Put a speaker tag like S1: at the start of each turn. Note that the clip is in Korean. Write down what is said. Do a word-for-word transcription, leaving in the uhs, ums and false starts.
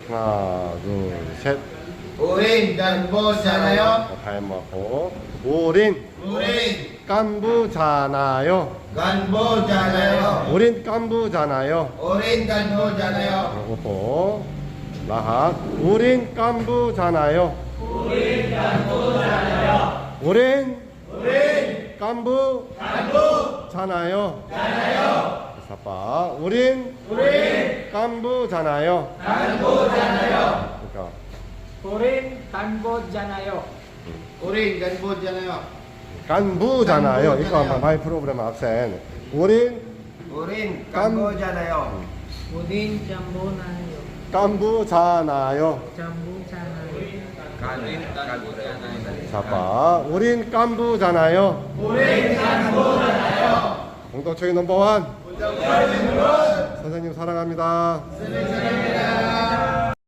S1: 하나, 둘, 셋.
S2: 우린 간부잖아요.
S1: 잘 먹고. 우린
S2: 우린
S1: 깐부잖아요.
S2: 간부잖아요.
S1: 우린 깐부잖아요.
S2: 우린 간부잖아요.
S1: 오호. 라합. 우린 깐부잖아요.
S2: 우린 간부잖아요.
S1: 우린
S2: 우린
S1: 깐부잖아요.
S2: 간부잖아요.
S1: 사빠. 우린
S2: 우린
S1: 깐부잖아요.
S2: 간부잖아요.
S1: 그러니까
S3: 우린 간부잖아요.
S2: 우린 간부잖아요.
S1: 깐부잖아요. 이거 한번 마이 프로그램 학생. 우린
S2: 우린
S1: 간-
S2: 간부잖아요.
S3: 우린 잠보나요.
S1: 깐부잖아요.
S3: 잠부잖아요.
S1: 사빠. 우린 깐부잖아요.
S2: 우린 간부잖아요.
S1: 공동체의 넘버원. 선생님 사랑합니다.
S2: 선생님 사랑합니다.